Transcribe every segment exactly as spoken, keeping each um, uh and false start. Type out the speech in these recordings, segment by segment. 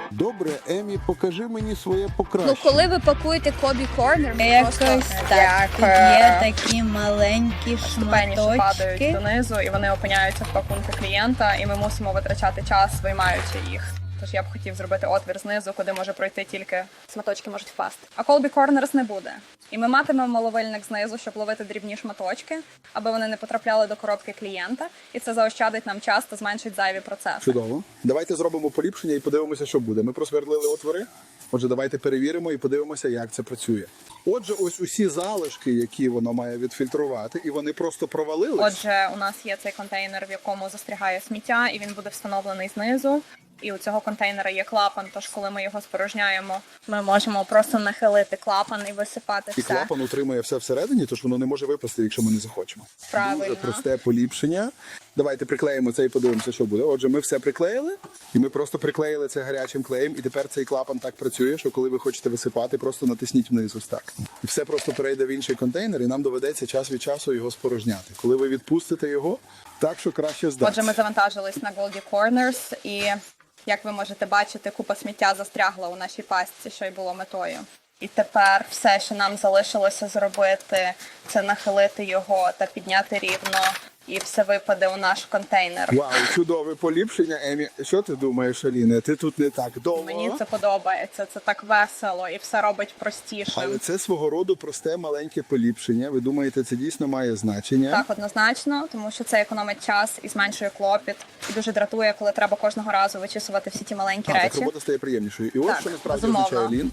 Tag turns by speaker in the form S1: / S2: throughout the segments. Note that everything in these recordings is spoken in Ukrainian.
S1: Добре, Емі, покажи мені своє покращення.
S2: Ну, коли ви пакуєте Колбі Корнер, ви
S3: Якось
S2: просто...
S3: так. Тут є такі маленькі
S4: Ступені, що падають
S3: шматочки.
S4: донизу, і вони опиняються в пакунку клієнта, і ми мусимо витрачати час, виймаючи їх. Тож я б хотів зробити отвір знизу, куди може пройти тільки шматочки можуть впасти. А Colby Corners не буде. І ми матимемо ловильник знизу, щоб ловити дрібні шматочки, аби вони не потрапляли до коробки клієнта. І це заощадить нам час та зменшить зайві процеси.
S1: Чудово. Давайте зробимо поліпшення і подивимося, що буде. Ми просвердлили отвори. Отже, давайте перевіримо і подивимося, як це працює. Отже, ось усі залишки, які воно має відфільтрувати, і вони просто провалились.
S4: Отже, у нас є цей контейнер, в якому застрягає сміття, і він буде встановлений знизу. І у цього контейнера є клапан, тож коли ми його спорожняємо, ми можемо просто нахилити клапан і висипати
S1: І
S4: все.
S1: клапан утримує все всередині, тож воно не може випасти, якщо ми не захочемо.
S4: Правильно.
S1: Дуже просте поліпшення. Давайте приклеїмо це і подивимося, що буде. Отже, ми все приклеїли, і ми просто приклеїли це гарячим клеєм, і тепер цей клапан так працює, що коли ви хочете висипати, просто натисніть вниз ось так. І все просто перейде в інший контейнер, і нам доведеться час від часу його спорожняти. Коли ви відпустите його, так, що краще здатися.
S4: Отже, ми завантажились на Goldie Corners, і, як ви можете бачити, купа сміття застрягла у нашій пастці, що й було метою. І тепер все, що нам залишилося зробити, це нахилити його та підняти рівно, і все випаде у наш контейнер.
S1: Вау, чудове поліпшення, Емі. Що ти думаєш, Аліне? Ти тут не так довго.
S4: Мені це подобається, це так весело і все робить простішим.
S1: Але це свого роду просте маленьке поліпшення. Ви думаєте, це дійсно має значення?
S4: Так, однозначно, тому що це економить час і зменшує клопіт. І дуже дратує, коли треба кожного разу вичісувати всі ті маленькі
S1: А, так
S4: речі.
S1: робота стає приємнішою. І ось
S4: Так,
S1: що насправді
S4: безумовно.
S1: означає Лін.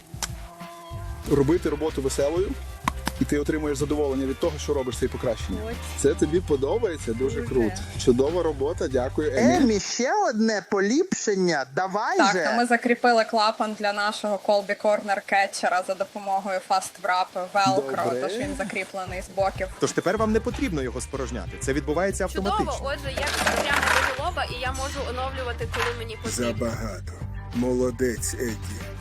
S1: Робити роботу веселою, і ти отримуєш задоволення від того, що робиш цей покращення. Це тобі подобається? Дуже круто. Чудова робота, дякую, Емі.
S5: Емі, ще одне поліпшення. Давай
S4: Так,
S5: же.
S4: то ми закріпили клапан для нашого Colby Corner кетчера за допомогою Fast Wrap Velcro,
S1: Добре.
S4: тож він закріплений з боків.
S6: Тож тепер вам не потрібно його спорожняти. Це відбувається автоматично.
S7: Чудово, отже, я прямо до лоба, і я можу оновлювати, коли мені потрібно.
S8: Забагато. Молодець, Еді.